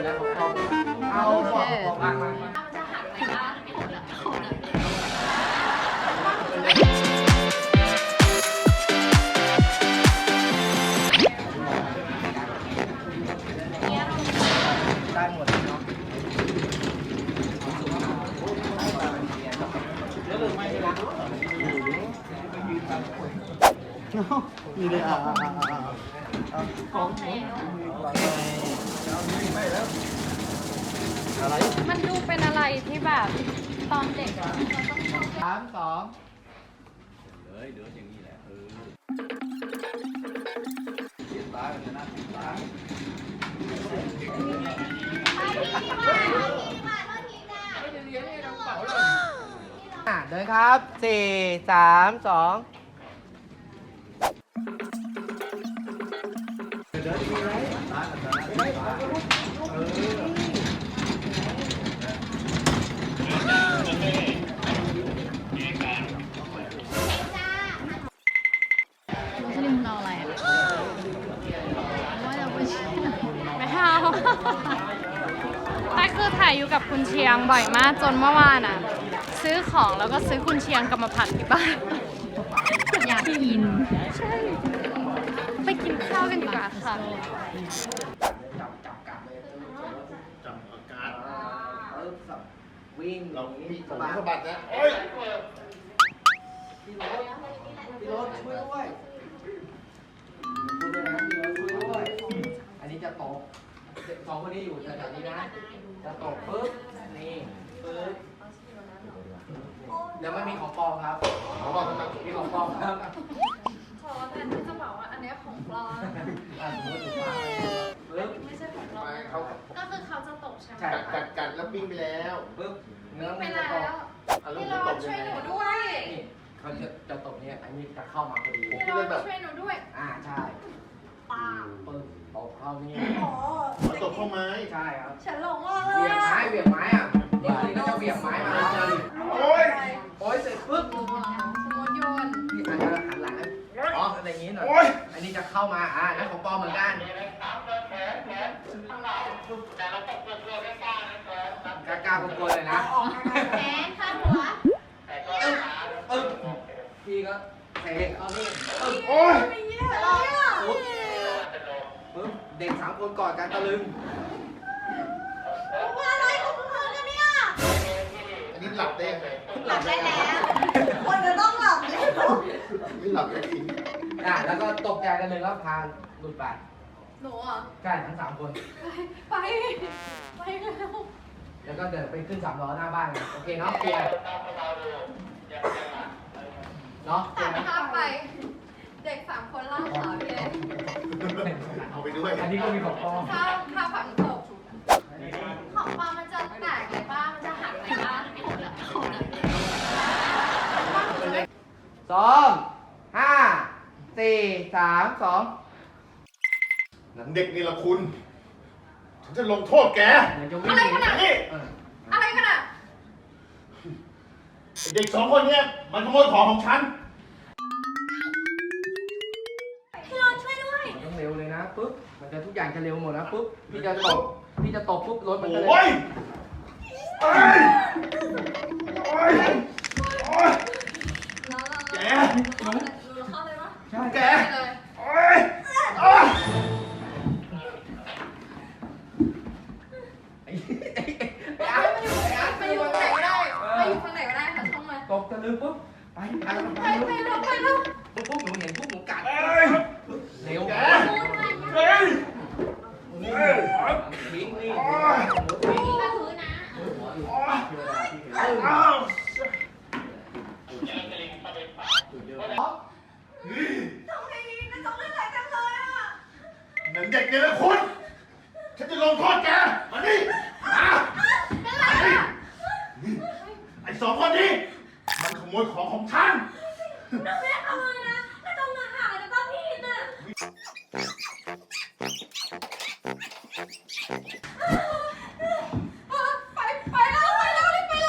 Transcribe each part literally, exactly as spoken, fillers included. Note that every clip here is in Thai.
แล้วของพ่อเอาบอกบอกมามามามันจะหักไหมล่ะของนะได้หมดเลยเนาะแล้วลืมไม่ได้ละมีเลยอ่ะอ่ะอ่ะอ่ะของอะไรมันดูเป็นอะไรที่แบบตอนเด็กอะสามสองเลยเดี๋ยวอย่างนี้แหละเออติดตากันนะติดตาเดินครับสี่สามสองเดินดีไหมตากันนะเออสลิมเราอะไรอะว่าเราไปไม่เอาแต่คือถ่ายอยู่กับคุณเชียงบ่อยมากจนเมื่อวานอ่ะ ซื้อของแล้วก็ซื้อคุณเชียงกลับมาผัดที่บ้าน อยากกิน ใช่ ไปกินข้าวกันดีกว่าค่ะจับจับกัดเลยจับอากาศเออสับวิ่งเรามีมีสผมบัดสะบัดนะโอ้ยพี่รถพี่รถช่วยด้วยพูดด้วยนะพี่รถช่วยด้วยอันนี้จะตกสองคนนี้อยู่แถวๆนี้นะจะตกปึ๊บนี่ปึ๊บเดี๋ยวไม่มีของปลอมครับเขาบอกทำไมมีของปลอมครับขอแทนที่จะบอกว่าอันนี้ของปลอมอ่ะสมมติถูกป่ะปึ๊บไม่ใช่ของปลอมไปเขาก็คือเขาจะตกใช่ไหมใช่กัดกัดกัดแล้วปิ้งไปแล้วปึ๊บเนื้อไปมันจะแล้ตกวอารมพี่ณ์รจะอตดกช่ยัวยงหไงนูด้วยนี่เขาจะจะตกเนี่ยอันนี้จะเข้ามาพอดีพี่รอดช่วยหนูด้วยอ่าใช่ปึ๊บตกเข้านี่เขาตกเข้าไม้ใช่ครับฉันหลงมากเลเบี่ยยงไม้เบี่ยงไม้อ่ะนี่คือก็จะเบี่ยงไม้มาแล้วเจอโอ้ยโอ้ยเสร็จปึ๊บสมมติโยนนี่อาจจะหันหลังนะอ๋ออะไรอย่างงี้หน่อยโอ้ยอันนี้จะเข้ามาอ่านั่นของปลอมเหมือนกันกล้ากล้ากลัวๆเลยนะแขนข้างหัวอึ๊บอึ๊บพี่ก็เตะเอานี่อึ๊บโอ้ยไม่เงี้ยเลยอ่ะปึ๊บปึ๊บเด็กสามคนกอดกันตะลึงว่าอะไรของเธอกันเนี่ยอันนี้หลับได้ยังไงหลับได้แล้วคนจะต้องหลับเลยไม่หลับได้จริงอ่ะแล้วก็ตกใจกันเลยแล้วพาหลุดไปหนูอ่ะใช่ทั้งสามคนไป ไปแล้วแล้วก็เดินไปขึ้นสามล้อหน้าบ้านโอเคเนาะเคลียร์เนาะเคลีตัยดร์ไหมภาพไป เด็กสามคนล่าขาพี่เล็กเอาไปด้วยอันนี้ก็มีของปลอมถ้าถ้าฝันตกของปลามันจะแตกเลยป้ามันจะหักเลยป้าของนะสองห้าสี่สามสองหนังเด็กนี่ละคุณ ฉันจะลงโทษแกเหมือนจะวิ่งอะไรขนาดนี่เอออะไรกันอ่ะเด็กสองคนเนี้ยมันขโมยของของฉันพี่รอนช่วยด้วยมันต้องเร็วเลยนะปุ๊บมันจะทุกอย่างจะเร็วหมดนะปุ๊บพี่จะตกพี่จะตกปุ๊บรถมันก็เลยโอ้ยโอ้ยโอ้ยโอ้ยเราเราแกเราเราเข้าเลยปะใช่แกเลยโอ้ยโอ้ยไอ้ไอ้ไอ้อาร์ตไอ้อาร์ตไปอยู่ไหนก็ได้ไปอยู่ข้างไหนก็ได้ค่ะช่องมาตกตะลึงปุ๊บไปไปไปไปไปเร็วไปเร็วปุ๊บปุ๊บหนูเห็นปุ๊บหนูกัดเอ้ยเร็วแกพูดไปเฮ้ยนี่เฮ้ยทิ้งนี่หนูทิ้งพี่ก็ถือนะโอ้ยเอออ้าวทำไงดีก็ต้องเล่นอะไรกันเลยอ่ะหนังเด็กนี่ละคุณ ฉันจะลงโทษแก มาดิมาเป็นไรอ่ะไอ้สองคนนี้ มันขโมยของของฉันน้องแม่ทำเลยนะไม่ต้องมาหาแต่ป้าพีนอ่ะไปไปแล้วไปแล้วรีบไปแล้ว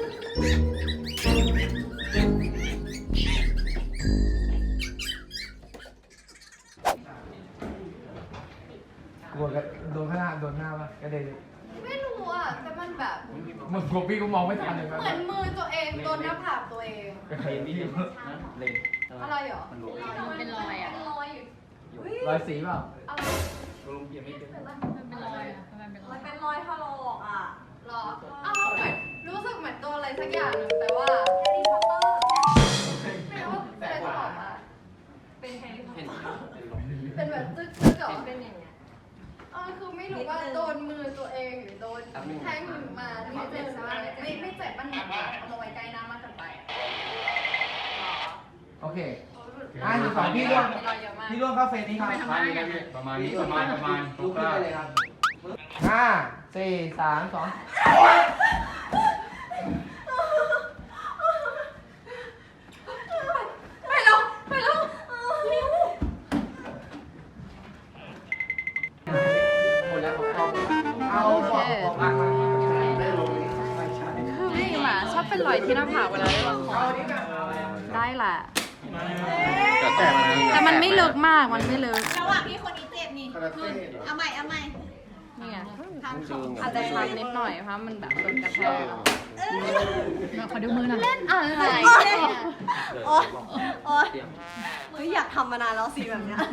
เกลัวกันโดนข้างหน้าโดนหน้าปะกระเด็นไม่รู้อ่ะแต่มันแบบมึงพวกพี่ก็มองไม่ทันเลยเหมือนมือตัวเองโดนหน้าผากตัวเองกระเด็นนี่เลยอะไรเหรอเป็นรอยอ่ะเป็นรอยอยู่รอยสีเปล่าอะไรลุงเพียงไม่เป็นมันเป็นรอยอ่ะมันเป็นรอยเป็นรอยถลอกอ่ะหรออ้าวเหมือนรู้สึกเหมือนโดนอะไรสักอย่างหนึ่งแต่ว่าแฮร์รี่พอตเตอร์ไม่รู้ว่าเป็นอะไรต่อมาเป็นแฮร์รี่พอตเตเห็นอร์เป็นแบบตึ๊กตึ๊กเหรอเป็นอย่างเงี้ยเออคือไม่รู้ว่าโดนมือตัวเองหรือโดนแทงมาไม่เจ็บอะไรไม่ไม่เจ็บมันเหมือนแบบเอามาไว้ใกล้หน้ามากเกินไปโอเคห้าหนึ่งสองพี่ร่วงมีรอยเยอะมากพี่ร่วงเข้าเฟสนี้ครับประมาณนี้นะพี่ประมาณนี้ประมาณประมาณลุกขึ้นได้เลยครับห้าสี่สามสองไปแล้วไปแล้วนิ้วหมดแล้วของเราเอาบอกบอกอ่ะมาได้ลงไม่ใช่คือพี่หมาชอบเป็นรอยที่หน้าผากเวลาเล่นละครได้แหละแต่มันแต่มันไม่ลึกมาก มันไม่ลึกระหว่างที่คนนี้เจ็บนี่นุ่นเอาใหม่เอาใหม่นี่ไงทำของอาจจะชันนิดหน่อยเพราะมันแบบโดนกระแทกขอดูมือหน่อยเล่นอะไรโอ๊ยโอ๊ยเฮ้ยอยากทำมานานแล้วสิแบบเนี้ย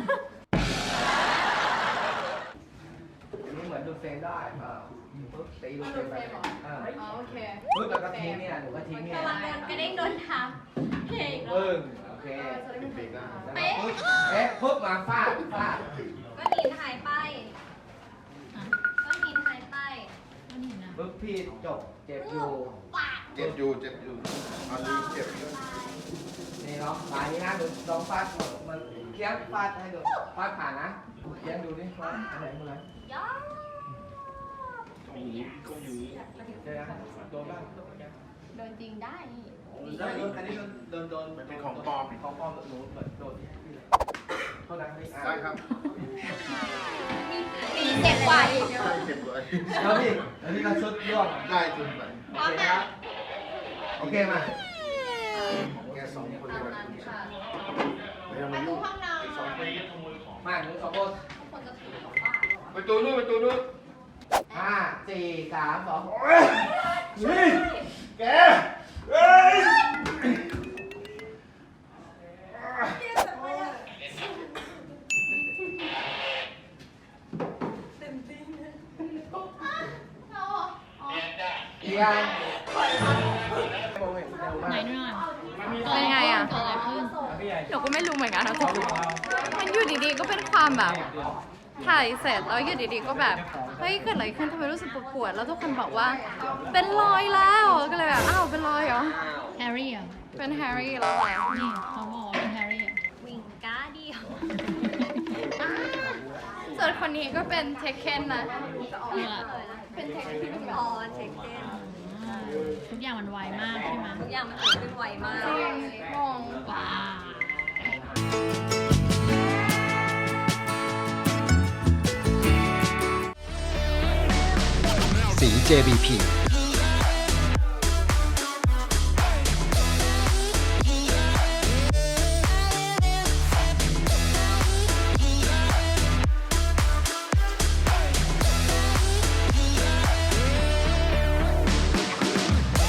นี่เหมือนดูเฟรมได้เปล่าปุ๊บตีดูเฟรมไปอ่าอ๋อโอเคปุ๊บแล้วก็ทิ้งเนี่ยหนูก็ทิ้งเนี่ยระวังโดนกระเด้งโดนทับเก่งปึ้งโอเคเป๊ะเอ๊ะปุ๊บมาฟาดฟาดก้อนหินหายไปก้อนหินหายไปปุ๊บพี่จบเจ็บอยู่เจ็บอยู่เจ็บอยู่เอาลืมเจ็บอยู่นี่เนาะสายนี้นะดูลองฟาดมันเคี้ยวฟาดให้ดูฟาดผ่านนะเคี้ยวดูดิฟาดอะไรมึงอะไรย่อตรงนี้ตรงนี้เจอนะโดนบ้างโดนจริงได้นี่แล้วอันนี้โดนโดนมันเป็นของปลอมของปลอมหนูเหมือนโดนเท่านั้นนี่ได้ครับมีเจ็บกว่าอีกได้เจ็บเลยแล้วพี่แล้วพี่ก็ชุดร่วงได้จนไปโอเคครับโอเคมาแกสองคนตามเลยนั้นค่ะไม่ต้องปมาระตูยุ่งห้องนอนสองคนนี้ขโมยของมาหนึ่งสองคนคนจะถือของบ้านประตูนู้นประตูนู้นห้าสี่สามสองนี่แกเฮ้ยเอียงไหนดูหน่อยเป็นไงอ่ะเกิดอะไรขึ้นหนูก็ไม่รู้เหมือนกันนะทุกคนมันอยู่ดีๆก็เป็นความแบบถ่ายเสร็จแล้วอยู่ดีๆก็แบบเฮ้ยเกิดอะไรขึ้นทำไมรู้สึกปวดๆแล้วทุกคนบอกว่า เป็นรอยแล้วก็เลยแบบอ้าวเป็นรอยเหรอแฮร์รี่อ่ะเป็นแฮร์รี่แล้วเหรอนี่เขาบอกว่าเป็นแฮร์รี่อ่ะวิงก้าเดียวส่วนคนนี้ก็เป็นเทคเคนนะเออเป็นเทคเคนพี่แบบออนเช็คเก้นอ่าทุกอย่างมันไวมากใช่ไหมทุกอย่างมันเกิดขึ้นไวมากจริงงงว้าสี เจ บี พี